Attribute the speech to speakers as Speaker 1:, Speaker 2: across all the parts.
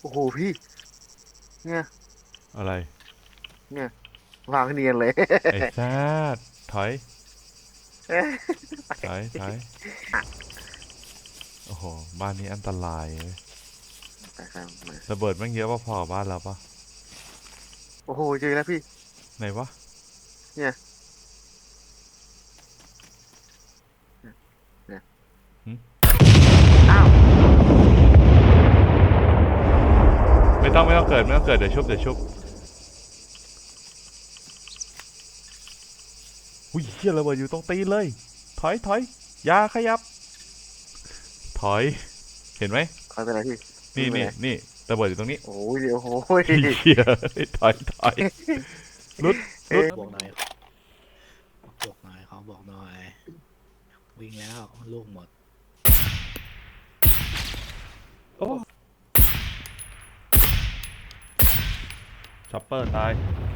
Speaker 1: โอ้โหพี่เนี่ย
Speaker 2: อะไร
Speaker 1: เนี่ยวางเนียนเลย
Speaker 2: ไอ้ซาดถอย
Speaker 1: เอ๊ะ
Speaker 2: ถอยโอ้โหบ้านนี้อันตรายเลย
Speaker 1: นะครับมา
Speaker 2: ระเบิดแม่งเยอะพอๆบ้านเราปะ
Speaker 1: โอ้โหเจอแล้วพี่
Speaker 2: ไหนวะ
Speaker 1: เนี่ยเนี่ยเนี่ย
Speaker 2: หึ
Speaker 1: อ้าว
Speaker 2: ไม่ต้องเกิดเดี๋ยวชุบอุ้ยเฮียระเบิดอยู่ตรงตีนเลยถอยอย่าขยับถอยเห็นไหม
Speaker 1: เขาเป็นอะไรพี่
Speaker 2: นี่
Speaker 1: วิ่งไปไหน
Speaker 2: ระเบิดอยู่ตรงนี้
Speaker 1: โอ้ยเดี๋ยวโอ้ย
Speaker 2: เฮียถอยรุด
Speaker 1: เอ๊ะ
Speaker 3: บอกหน่อยเขาบอกหน่อยวิ่งแล้วลูกหมด
Speaker 2: โอ้ช็อปเปอร์ตาย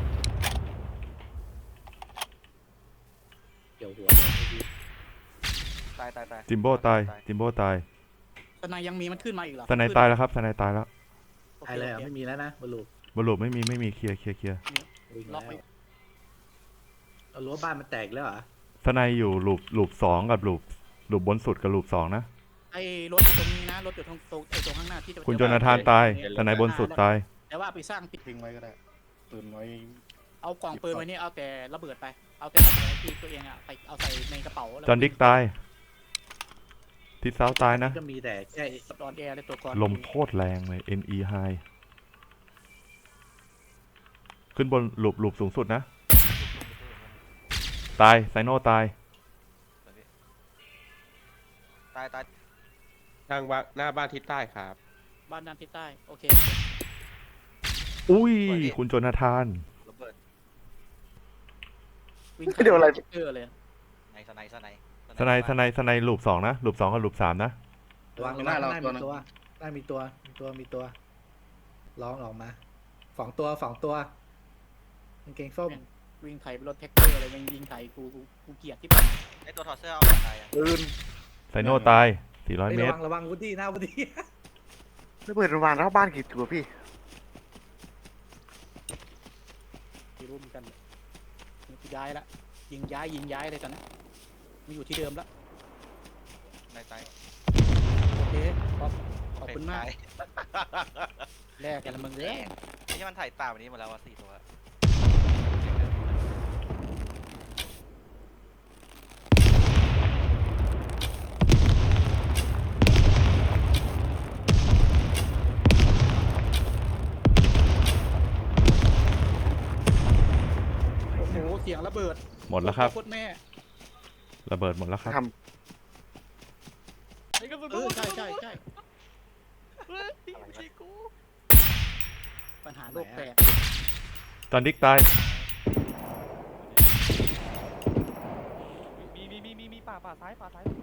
Speaker 3: เกี่ยวหัวเลยไม่ดี
Speaker 4: ตาย
Speaker 2: จิมโบ้ตาย
Speaker 5: สนายยังมีมันขึ้นมาอีกเหรอ
Speaker 2: สไนตายแล้วครับสไนตายแล้ว
Speaker 5: โอ
Speaker 3: ตา
Speaker 5: เค
Speaker 3: ยเลยอ่ะ
Speaker 5: โอเค
Speaker 3: ไม่มีแล้วนะบอลลูก
Speaker 2: บอลลูไม่มีเคลียร์
Speaker 3: วิ่ง
Speaker 5: ล็
Speaker 3: แล้
Speaker 5: อก
Speaker 3: ว
Speaker 5: ไป
Speaker 3: เอารั้วบ้านมันแตกแล้วเหรอ
Speaker 2: สไนอยู่ลูปสองกับลูปบนสุดกับลูปสองนะ
Speaker 5: ไอ้รถอยู่ตรงนี้นะรถอยู่ตรงไอ้ตรงข้างหน้าที่จะ
Speaker 2: คุณโจนาธานตายสไนบนสุดตาย
Speaker 5: แต่ว่าไปสร้างปิด
Speaker 4: ทิ้งไว้ก็ได้ปืนไว้
Speaker 5: เอากล่องปืนไว้นี่เอาแต่ระเบิดไปเอาแต่ระเบิดที่ตัวเองอะไปเอาใส่ในกระเป๋าแล้ว
Speaker 2: จอห์นดิกตายทิศเซาตายนะ
Speaker 3: ก็มีแต่แค่
Speaker 5: สปอนแอร์ในตัวก่อน
Speaker 2: ลมโคตรแรงเลย NE high ขึ้นบนลูปสูงสุดนะตายไซโนตาย
Speaker 4: ตายทางบ้านหน้าบ้านทิศใต้ครับ
Speaker 5: บ้านด้านทิศใต้โอเค
Speaker 2: อุ้ยคุณโจนาธาน
Speaker 4: ระเบิด
Speaker 5: วิ่ง
Speaker 1: เดี๋ยวอะไร
Speaker 5: เจอเลย
Speaker 4: สไน
Speaker 2: สไนลูปสองนะลูปสองกับลูปสามนะ
Speaker 3: วางหน้ามีตัวได้มีตัวร้องออกมาสองตัวกางเกงส้ม
Speaker 5: วิ่งไถรถแท็กเตอร์อะไรมันยิงไถกูเกลียดที่ป
Speaker 4: ไอตัวถอดเสื้อเอาไปตายอ่ะ
Speaker 1: ปืน
Speaker 2: ไซโนตาย400 เมตร
Speaker 3: ระวังวูดดี้หน้าวูดดี้
Speaker 1: ระเบิดมันวางรอบบ้านกี่ตัวพี่
Speaker 5: ที่รุ่นกันกูย้ายละยิงย้ายเลยตอนนี้มาอยู่ที่เดิมละ
Speaker 4: ในตาย
Speaker 5: โอเคขอบคุณมาก
Speaker 4: ตาย
Speaker 5: แลกกันละมึงแลก
Speaker 4: ไอ้ที่มันถ่ายตามวันนี้หมดแล้วว่ะ4 ตัว
Speaker 5: โอ้โหเสียงระเบิด
Speaker 2: หมดแล้วครับ
Speaker 5: โคตรแม่
Speaker 2: ระเบิดหมดแล้วครับ
Speaker 1: ท
Speaker 4: ไอ้กระสุน
Speaker 5: ใช่
Speaker 4: ไม่ใช่กู
Speaker 5: ปัญหาโลกแตก
Speaker 2: จอห์นดิกตาย
Speaker 4: มีป่าซ้าย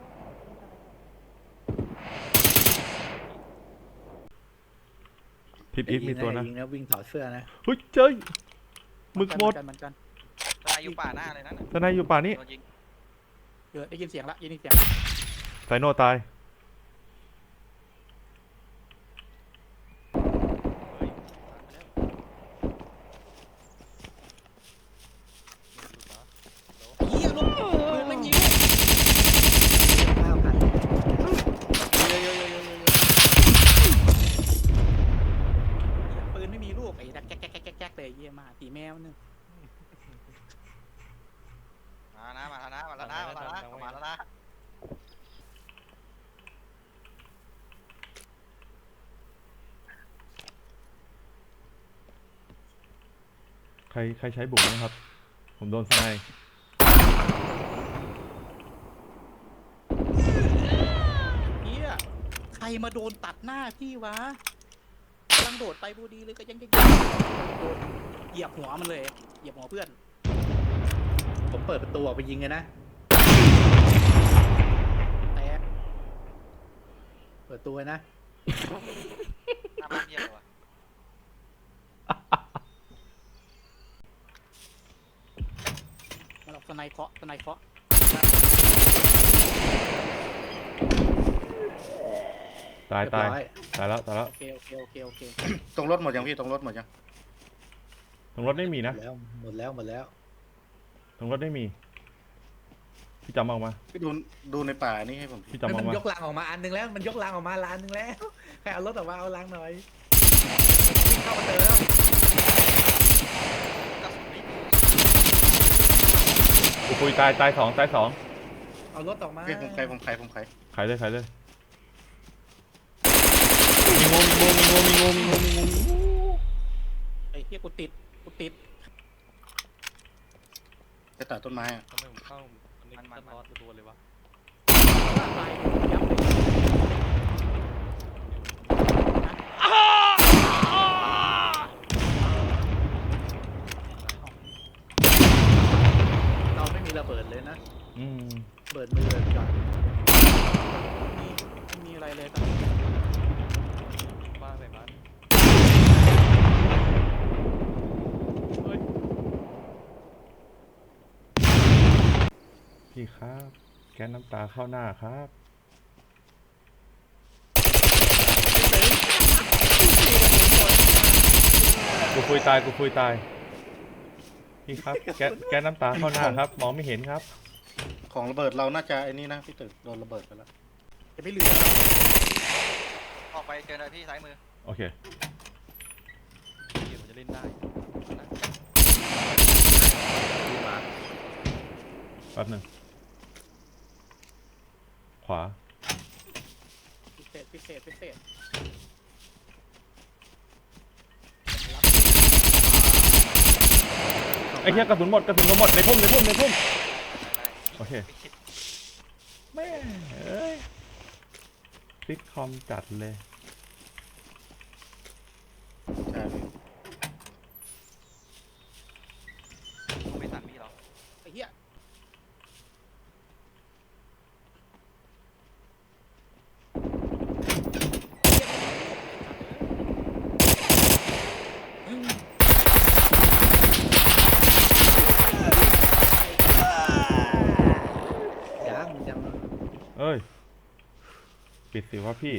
Speaker 2: ทิศอีฟมีตัวนะ
Speaker 3: ยิงแล้ววิ่งถอดเสื้อนะ
Speaker 2: เฮ้ยเจ้ยหมึกหมด
Speaker 5: เหมือนกัน
Speaker 4: ตายอยู่ป่าหน้าเลยนั่น
Speaker 2: สไนอยู่ป่านี้
Speaker 4: โดนยิง
Speaker 5: เกิดได้ยินเสียงละยินเสียง
Speaker 2: ไซโนตาย
Speaker 4: เฮ้ย
Speaker 5: เหี้ยลูกปืนมันยิง
Speaker 3: 9,000
Speaker 5: ปืนไม่มีลูกไอ้ดักแจ๊กเลยเยี่ยมาตีแมวนึง
Speaker 4: มาแล้วนะ
Speaker 2: ใครใช้บุกนะครับ ผมโดนสไน
Speaker 5: เหี้ยใครมาโดนตัดหน้าพี่วะกำลังโดดไปบูดีเลยก็ยังโดนเหยียบหัวมันเลยเหยียบหัวเพื่อน
Speaker 3: ผมเปิดประตูออกไปยิงเลยนะ
Speaker 5: แตก
Speaker 3: เปิดตัวนะ
Speaker 4: หน้าบ้านเยี่ยมว่ะ
Speaker 5: มันออกสไนเคาะ
Speaker 2: ตตาย
Speaker 3: เรีบ
Speaker 2: ตาย
Speaker 3: ร้อ
Speaker 2: ตายแล้วตายแล้ว
Speaker 5: โอเคโอเคโอเคโอเค
Speaker 4: ตรงรถหมดยังพี่ตรงรถหมดยัง
Speaker 2: ตรงรถไม่มีนะ
Speaker 3: หมดแล้วหมดแล้ว
Speaker 2: ตรงรถไม่มีพี่จำออกมา
Speaker 4: พี่ดูในป่านี่ให้ผม
Speaker 2: พี่จำอ
Speaker 3: มั
Speaker 2: อก
Speaker 3: น
Speaker 2: มาย
Speaker 3: กลังออกมาอันนึงแล้วมันยกลังออกมาล้านนึงแล้วใครเอารถออกมาเอาลังหน่อยวิ่งเข้ามาเจอแล้ว
Speaker 2: กูคุยตายตายสอง
Speaker 3: เอารถออกมา
Speaker 4: พี่ผมใคร
Speaker 2: ขายเลยมีงู
Speaker 5: ไอ้เหี้ยกูติด
Speaker 4: จะตัดต้นไม้อะ
Speaker 6: ทำไมผมเข้าอันนี้มันร้อนตัวเลยวะ
Speaker 5: ตายยับเลย
Speaker 3: เราไม่มีระเบิดเลยนะ
Speaker 2: อืม
Speaker 3: เบิดมือเลยก่อน
Speaker 5: ไม่มีอะไรเลยตอนนี้
Speaker 6: บ้านอะไรบ้าน
Speaker 2: พี่ครับ แก๊สน้ำตาเข้าหน้าครับกูคุยตายพี่ครับแก๊สน้ำตาเข้าหน้าครับมองไม่เห็นครับ
Speaker 4: ของระเบิดเราน่าจะไอ้นี่นะพี่ตึกโดนระเบิดไปแล้ว
Speaker 5: จะไม่เหลือ
Speaker 7: ออกไปเจอเลยพี่ซ้ายมือ
Speaker 2: โอเค
Speaker 6: เกมผมจะเล่นได้
Speaker 2: แป๊บหนึงขวา
Speaker 5: พิเศษ
Speaker 2: ไอ้เหี้ยกระสุนหมดในพุ่มโอเคแม่เอ้ยซิทคอมจัดเลย
Speaker 4: ใช่พี่
Speaker 7: ไม่ทันพี่หรอก
Speaker 5: ไอ้เหี้ยอืม
Speaker 3: ยัง
Speaker 2: เอ้ยปิดสิวะพี่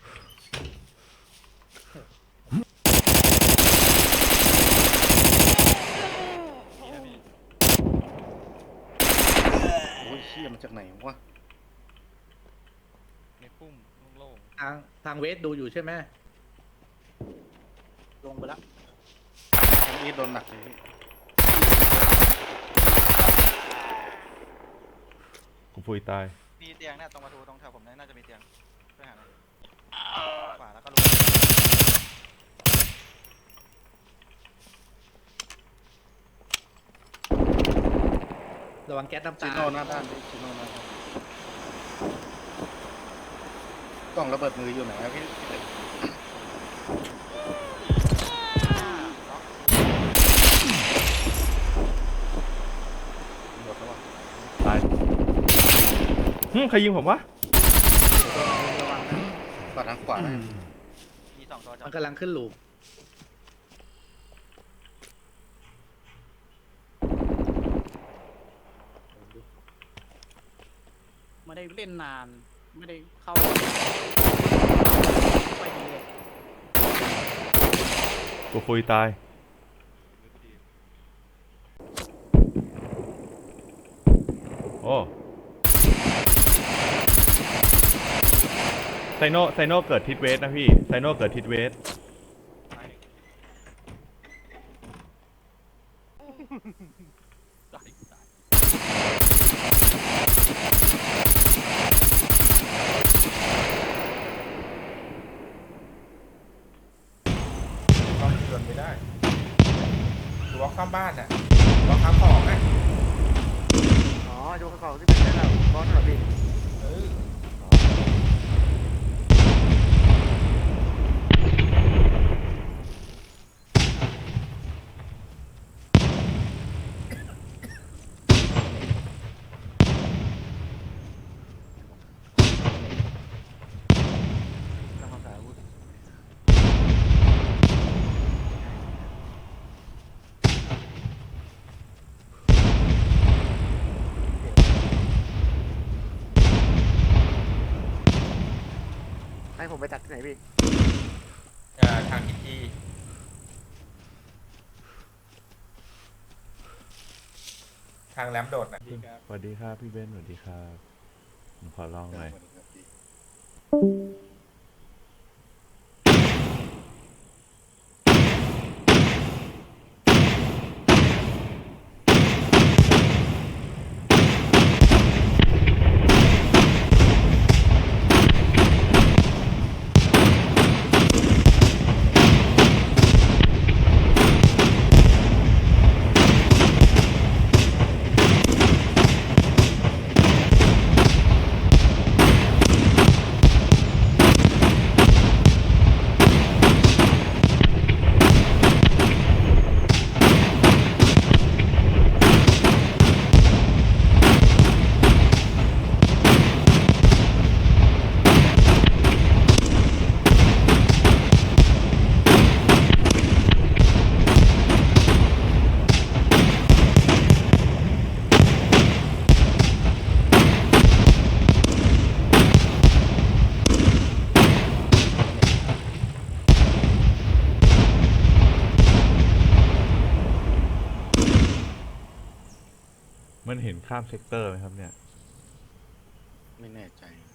Speaker 4: โอ้ยเชี่ยมันจากไหนวะ
Speaker 6: ในพุ่มโล่ง
Speaker 3: ทางเวสดูอยู่ใช่ไหม
Speaker 5: ลงไปแล้ว
Speaker 4: ทางอีทโดนหนักเลยพี่
Speaker 2: กูฟุยตาย
Speaker 7: มีเตียงเนี่ยตรงประตูตรงแถวผมเนี่ยน่าจะมีเตียงช่วยหาหน่อยขวาแล้วก็ลง
Speaker 3: ระวังแก๊สน้ำ
Speaker 4: ชิ
Speaker 3: ตา
Speaker 4: โน่หน้าด้านพี่ชิโน่หน้าด้านกล่องระเบิดมืออยู่ไหนอะพี่ตึก หมดแล้ววะ
Speaker 2: ตายใครยิงผมวะ
Speaker 3: ระวังนะ
Speaker 4: ปัดทางขวานะ
Speaker 7: มี2 ตัวจอ
Speaker 3: มั
Speaker 7: ด
Speaker 3: นกำลังขึ้นลูป
Speaker 5: ไม่ได้เล่นนาน ไม่ได้เข้าไปดีเลย
Speaker 2: กูฟุยตาย โอ้ไซโนเกิดทิศเวสนะพี่ไซโนเกิดทิศเวส
Speaker 6: ตายตาย
Speaker 8: ก็เดินไม่ได้หรือว่าข้ามบ้านน่ะว่าข้ามของอ่ะ
Speaker 1: อ๋อดูเขาที่เป็นแบบบอสเหรอพี่
Speaker 8: เออ
Speaker 1: ให้ผมไปตัดที่ไหนพี่
Speaker 8: ทางทิศที่ทางแรมโดดนะ
Speaker 2: สวัสดีครับพี่เบนสวัสดีครับผมขอลองหน่อย มันเห็นข้ามเซกเตอร์ไหมครับเนี่ย
Speaker 5: ไม่แน่ใจ